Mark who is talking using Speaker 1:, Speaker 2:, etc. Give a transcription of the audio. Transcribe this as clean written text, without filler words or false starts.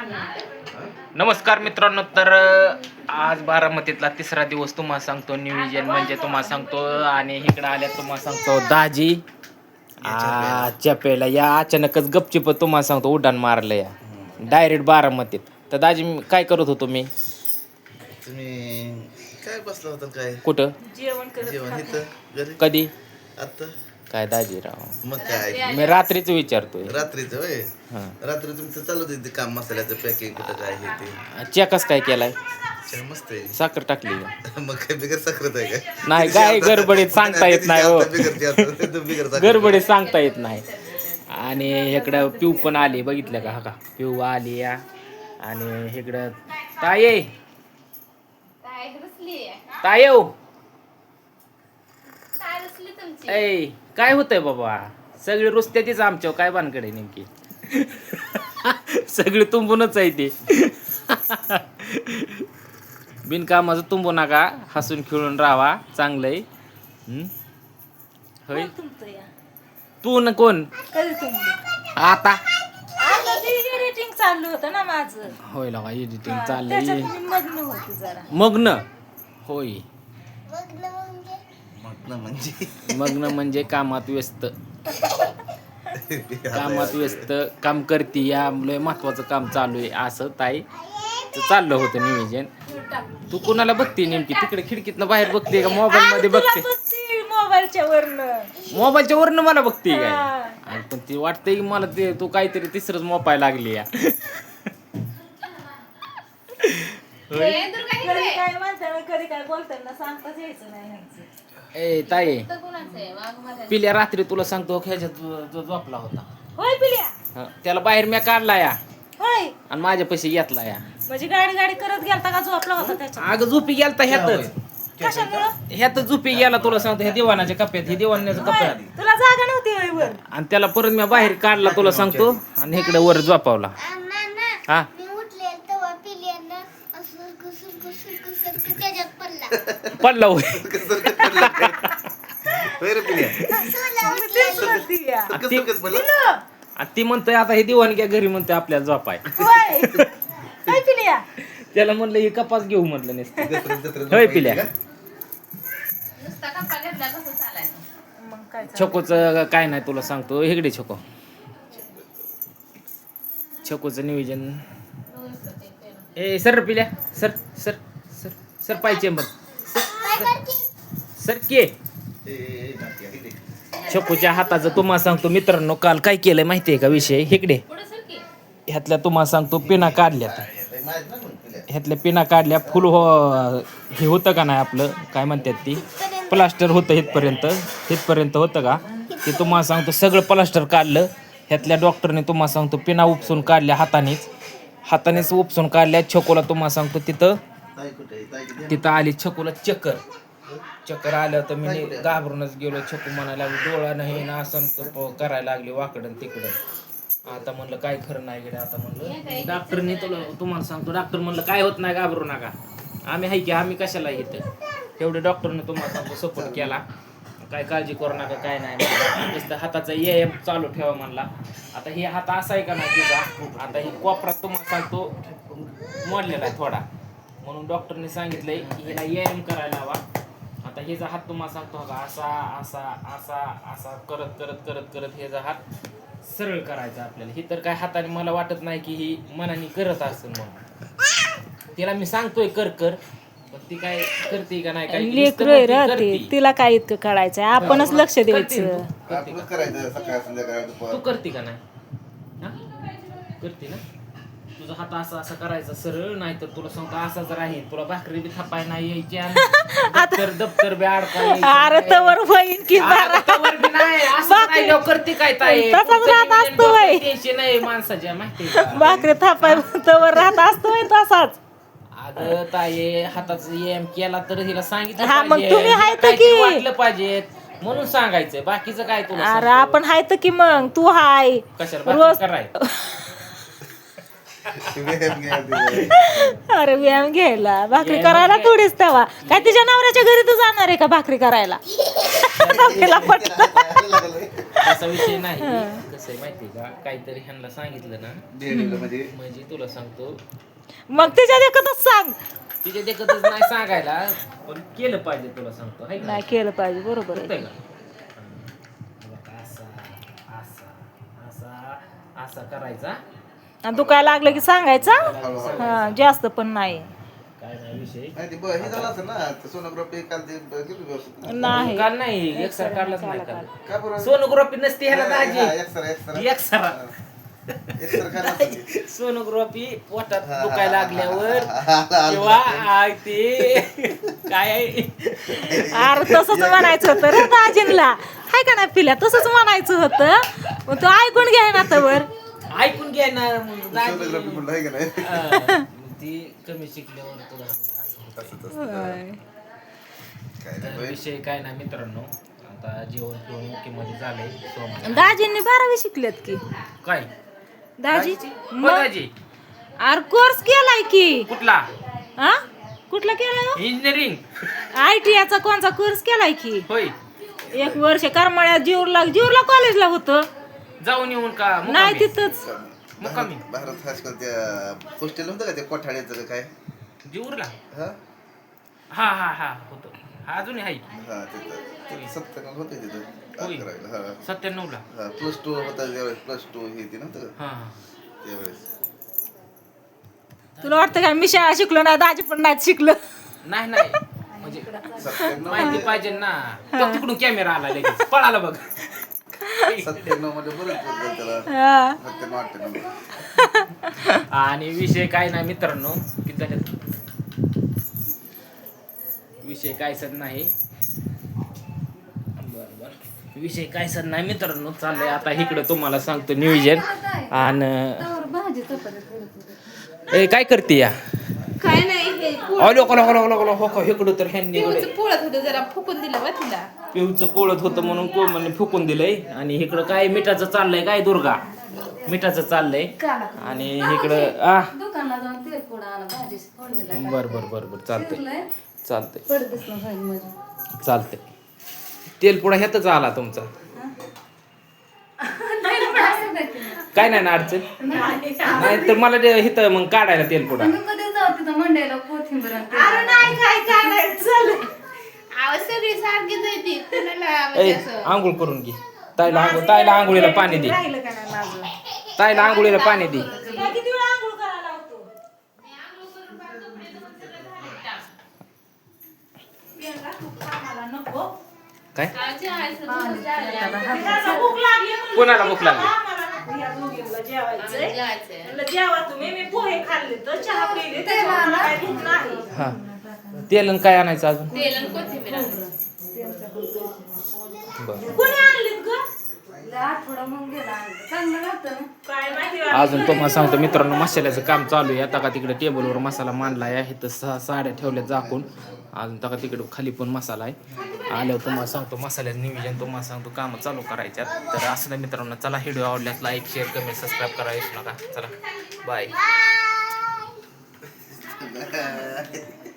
Speaker 1: नमस्कार मित्रांनो. तर आज बारामतीतला तिसरा दिवस तुम्हाला सांगतो. नियोजन म्हणजे तुम्हाला सांगतो आणि इकडे आल्या तुम्हाला सांगतो दाजी चपेला या अचानकच गपचिप तुम्हाला सांगतो उड्डाण मारलं या डायरेक्ट बारामतीत. तर दाजी काय करत होतो मी?
Speaker 2: तुम्ही काय बसला होता काय?
Speaker 1: कुठं
Speaker 2: जेवण इथं घरी
Speaker 1: कधी?
Speaker 2: आता
Speaker 1: काय दाजीराव,
Speaker 2: मग काय
Speaker 1: मी रात्रीच विचारतोय.
Speaker 2: रात्रीचं होय.
Speaker 1: हां,
Speaker 2: रात्री तुमचं चालू होतं ते काम, मसाल्याचं पॅकिंग कुठं काय हे ते
Speaker 1: चेकच काय केलाय?
Speaker 2: चहा मस्त आहे.
Speaker 1: साखर टाकली का?
Speaker 2: मग काय बिगर साखरत आहे का?
Speaker 1: नाही काय गडबडीत सांगता येत नाही हो.
Speaker 2: बिगर
Speaker 1: गडबडीत सांगता येत नाही. आणि इकडं पिऊ पण आली, बघितलं का? हा का पिऊ आली या. आणि इकडं ताये ताये ऐ काय होतंय बाबा? सगळी रुसत्यातीच आमच्यावर, काय भानकडे नेमकी? सगळी तुंबूनच आहे ते. बिनकामाचं तुंबू नका, हसून खेळून राहावा, चांगलंय. होय तू न कोण आता
Speaker 3: एडिटिंग चालू होतं ना माझं.
Speaker 1: होय लगा एडिटिंग
Speaker 3: त्याच्यात
Speaker 1: चाललंय.
Speaker 3: मी मग्न होते जरा.
Speaker 1: मग्न होय.
Speaker 2: म्हणजे
Speaker 1: म्हणजे कामात व्यस्त. कामात व्यस्त काम करते या लय महत्वाचं काम चालू आहे असं ताई चाललं होतं नियोजन. तू कोणाला बघते नेमकी? तिकडे खिडकीतनं बाहेर बघते का मोबाईल मध्ये बघते?
Speaker 3: मोबाईलच्या वरनं.
Speaker 1: मोबाईलच्या वरनं मला बघते काय?
Speaker 3: हा.
Speaker 1: आणि पण ती वाटतंय की मला ते तू काहीतरी तिसरंच मोबाईल लागली या.
Speaker 3: कधी काय म्हणताना कधी काय बोलताना सांगताच यायचं नाही ह्यांचं.
Speaker 1: ए ताई पिल्या रात्री तुला सांगतो ह्याच्यात झोपला होता.
Speaker 3: होय पिल्या.
Speaker 1: हं, त्याला बाहेर मी काढला या
Speaker 3: होय
Speaker 1: आणि माझ्या पैसे घेतला या.
Speaker 3: म्हणजे गाडी गाडी करत गेलता का झोपला होता त्याच्या?
Speaker 1: अगं झोपी गेलता ह्यातच.
Speaker 3: कशामुळं?
Speaker 1: ह्यातच झोपी गेला तुला सांगतो. ह्या दिवाणाच्या कप्प्यात, हे दिवाण्याच्या
Speaker 3: होय.
Speaker 1: कप्प्यात.
Speaker 3: तुला जागा नव्हती होय वर?
Speaker 1: आणि त्याला परत मी बाहेर काढला तुला सांगतो आणि इकडे वर झोपावला. हा पडला होय.
Speaker 3: तेच म्हणती या.
Speaker 1: आणि ती म्हणतोय आता हे दिवाण घ्या घरी, म्हणतोय आपल्याला झोपाय.
Speaker 3: होय. काय पिल्या?
Speaker 1: त्याला म्हणलं हे कपास घेऊ म्हटलं नसतं. होय पिल्या.
Speaker 3: मग काय
Speaker 1: छकोच काय नाही तुला सांगतो. इकडे छको, छकोचं नियोजन. ए सर पिल्या, सर सर सर सर पाहिजे मग सर के. छकोच्या हाताचं तुम्हाला सांगतो मित्रांनो, काल काय केलंय माहितीये का विषय? इकडे ह्यातल्या तुम्हाला सांगतो पिना काढल्यात. ह्यातल्या पिना काढल्या. फुल हे होतं का नाही आपलं काय म्हणतात ती प्लास्टर होतं इथपर्यंत होतं का ते तुम्हाला सांगतो. सगळं प्लास्टर काढलं. ह्यातल्या डॉक्टरने तुम्हाला सांगतो पिना उपसून काढल्या, हातानेच उपसून काढल्या. छकोला तुम्हाला सांगतो तिथं आली छकोला चक्कर आलं. तर मी घाबरूनच गेलो. छकू म्हणायला लागली डोळा नाही ना, असं करायला लागली वाकडं तिकडं. आता म्हणलं काय खरं नाही गेलं. आता म्हणलं डॉक्टरने तुम्हाला सांगतो, डॉक्टर म्हणलं काय होत नाही, घाबरू नका, आम्ही आहे की, आम्ही कशाला येतं. एवढे डॉक्टरने तुम्हाला सांगतो सपोर्ट केला. काय काळजी करू नका, काय नाही. नुसतं हाताचा व्यायाम चालू ठेवा म्हणला. आता हे हात असा आहे का नाही तिचा, आता ही कोपरात तुम्हाला सांगतो मोडलेला आहे थोडा, म्हणून डॉक्टरने सांगितलंय की हिला व्यायाम करायला हवा. आता हिचा हात तुम्हाला सांगतो का असा असा असा असा करत करत करत करत ह्याचा हात सरळ करायचा आपल्याला. ही तर काय हाताने मला वाटत नाही की ही मनाने करत असेल म्हणून. तिला मी सांगतोय कर कर, पण ती काय करते का नाही काय
Speaker 3: लेकरं राहते, तिला काय इतकं कळायचंय, आपणच लक्ष द्यायचं.
Speaker 1: तू करते का नाही? हा? करते ना? तुझा हात असा असा करायचा सरळ, नाही तर तुला सांगतो असाच राहील. तुला भाकरी बी थापाय नाही यायची आणि दप्तर बी अडकाय.
Speaker 3: अरे तवर होईन की
Speaker 1: करते काय ताई?
Speaker 3: तसाच राहत असतो बाई.
Speaker 1: टेन्शन नाही माणसाच्या, माहिती
Speaker 3: भाकरी थापाय तवर राहत असतोय तसाच.
Speaker 1: अगं ताई हाताचा व्यायाम केला तर हिला सांगितलं
Speaker 3: हा, मग
Speaker 1: पाहिजे.
Speaker 3: तुम्ही आहे तर
Speaker 1: काहीतरी
Speaker 3: की.
Speaker 1: वाटलं पाहिजे म्हणून सांगायचं. बाकीचं काय तुला
Speaker 3: अरे
Speaker 1: सांगतो?
Speaker 3: आपण हाय तर की, मग तू हाय
Speaker 1: कशाला
Speaker 3: रोज.
Speaker 1: भाकरी कराय?
Speaker 3: अरे व्यायाम घ्यायला, भाकरी करायला थोडीच तेव्हा. काय तुझ्या नवऱ्याच्या घरी तू जाणार आहे का भाकरी करायला? तिला पटलं.
Speaker 1: तसा विषय नाही. कसं आहे माहिती का, काहीतरी ह्यांना सांगितलं ना
Speaker 2: डेअरीला म्हणजे
Speaker 1: म्हणजे तुला सांगतो
Speaker 3: मग तिच्या देखतच सांग.
Speaker 1: तिच्या देखतच नाही सांगायला, पण केलं पाहिजे तुला सांगतो हाय का
Speaker 3: नाही केलं पाहिजे, बरोबर
Speaker 1: होतंय
Speaker 3: आहे.
Speaker 1: का? बघा, असा असा असा असा करायचा.
Speaker 3: आणि दुखायला लागलं की सांगायचं. हा, जास्त पण नाही.
Speaker 1: काय नाही विषय.
Speaker 2: नाही ते हे झालं असं ना सोनोग्राफी काल ते किती व्यवस्थित
Speaker 3: नाही
Speaker 1: काल नाही एक्सरा काढलाच नाही काल.
Speaker 2: का बरं
Speaker 1: सोनोग्राफी नसते ह्याला दाजी.
Speaker 2: एक्सरा
Speaker 1: एक्सरा
Speaker 2: काय नसतं.
Speaker 1: सोनोग्राफी पोटात दुखायला लागल्यावर किंवा ते काय आहे,
Speaker 3: अरे तसंच म्हणायचं होतं रे दाजींला. हाय का नाही पिल्या, तसंच म्हणायचं होतं. मग तो ऐकून घ्याय ना तवर.
Speaker 1: ऐकून घ्या ना मग दाजी.
Speaker 2: सोनोग्राफी म्हणलं आहे का नाही
Speaker 1: मग ती कमी शिकल्यावर तुला सांगता असं.
Speaker 2: तसंच असतं. काय नाही
Speaker 1: तर
Speaker 2: बाई.
Speaker 1: विषय काय नाही मित्रांनो, आता जेवण पिवण मध्ये झालंय सोमवार.
Speaker 3: दाजींनी 12वी शिकलेत की.
Speaker 1: काय
Speaker 3: दाजी
Speaker 1: हो
Speaker 3: मग
Speaker 1: दाजी
Speaker 3: अरे कोर्स केलाय की.
Speaker 1: कुठला
Speaker 3: हा कुठला केलाय?
Speaker 1: इंजिनिअरिंग
Speaker 3: ITI चा कोणचा कोर्स केलाय की.
Speaker 1: होय.
Speaker 3: 1 वर्ष करमाळ्यात जीवला कॉलेजला होतं.
Speaker 1: जाऊन येऊन का
Speaker 3: नाही
Speaker 1: मुक्कामी?
Speaker 3: तिथंच.
Speaker 1: मुक्कामी
Speaker 2: भारत हायस्कूल त्या पोस्टेल होतं का ते कोठाड्याचं का काय
Speaker 1: जीवरला
Speaker 2: हा
Speaker 1: हा हा हा होतं. हा अजूनही आहे
Speaker 2: हा तिथं 97 होते तिथं
Speaker 1: होय.
Speaker 2: करायला हा
Speaker 1: 97 ला.
Speaker 2: हा +2 होता त्यावेळेस +2 हे ते नव्हतं का
Speaker 1: हा हा.
Speaker 2: त्यावेळेस
Speaker 3: तुला वाटतं का मी शाळा शिकलो नाही, दाजी पण नाही शिकलं.
Speaker 1: नाही नाही म्हणजे
Speaker 2: 97
Speaker 1: माहिती पाहिजे ना. तो तिकडून कॅमेरा आला लगेच पळाला बघ.
Speaker 2: 97 मध्ये बरंच बोलतात त्याला
Speaker 3: हा.
Speaker 2: 97 98
Speaker 1: आणि विषय काय नाही मित्रांनो, किती झाले विषय काय सर नाही. बरोबर विषय काय सर नाही मित्रांनो, चाललंय आता इकडं तुम्हाला सांगतो नियोजन. आणि ए काय करते या
Speaker 4: काय नाही हे
Speaker 1: अलो कलो कलो कलो कलो हो का इकडं तर ह्यांनी
Speaker 4: पिऊचं पोळत होतं जरा फुकून दिलं बा तिला.
Speaker 1: पिऊचं पोळत होतं म्हणून कोमलने फुकून दिलंय. आणि इकडं काय मिठाचं चाललंय काय दुर्गा मिठाचं चाललंय. आणि इकडं
Speaker 4: दुकानात जाऊन तेल पोळा आला भाजी फोडणी
Speaker 1: बर बर बर बर चालतंय चालतंय
Speaker 4: पडतच ना भाजी माझी.
Speaker 1: चालतंय. तेलपुडा ह्यातच आला तुमचा. काय नाही ना अडचण. नाही तर मला इथं मग काढायला तेलपुडा.
Speaker 4: मी कधी जाऊ तिथं मंडईला कोथिंबीर आणि तेल.
Speaker 3: नाही काय नाही चल.
Speaker 4: आवाज सगळी सारखी जायती कुणाला म्हणजे
Speaker 1: ए
Speaker 4: असं
Speaker 1: आंघोळ करून घे. ताईला आंघोळीला पाणी दे.
Speaker 3: राहिलं का नाही माझं?
Speaker 1: ताईला आंघोळीला पाणी दे.
Speaker 3: तुला किती वेळा आंघोळ करायला लावतो? आम्हाला नको.
Speaker 1: काय
Speaker 4: आजी आहे सगळं
Speaker 3: त्याला भूक लागली म्हणून
Speaker 1: कोणाला भूक लागली?
Speaker 3: आम्हाला नको या दोघींना जेवायचंय.
Speaker 4: जायचंय.
Speaker 3: म्हणलं जेवा तुम्ही, मी पोहे खाल्ले तर चहा पिले त्याच्यावर मला काही भूक नाही.
Speaker 1: हा तेल आणि काय आणायचं अजून.
Speaker 4: तेल आणि कोथिंबीर आणली.
Speaker 1: बरं
Speaker 3: कोणी आणलीत ग?
Speaker 4: आठवडा मग गेला चांगलं लागतं ना.
Speaker 3: काय माहिती
Speaker 1: अजून तुम्हाला सांगतो मित्रांनो, मसाल्याचं काम चालू आहे. आता का तिकडे टेबलवर मसाला मांडला आहे. इथं 6 साड्या ठेवल्या झाकून. अजून तका तिकडे खाली पण मसाला आहे. आल्यावर तुम्हाला सांगतो मसाल्याचं नियोजन तुम्हाला सांगतो कामं चालू करायच्यात. तर असं नाही मित्रांनो, चला व्हिडिओ आवडल्यास लाईक शेअर कमेंट सबस्क्राईब करायला विसरू नका. चला बाय.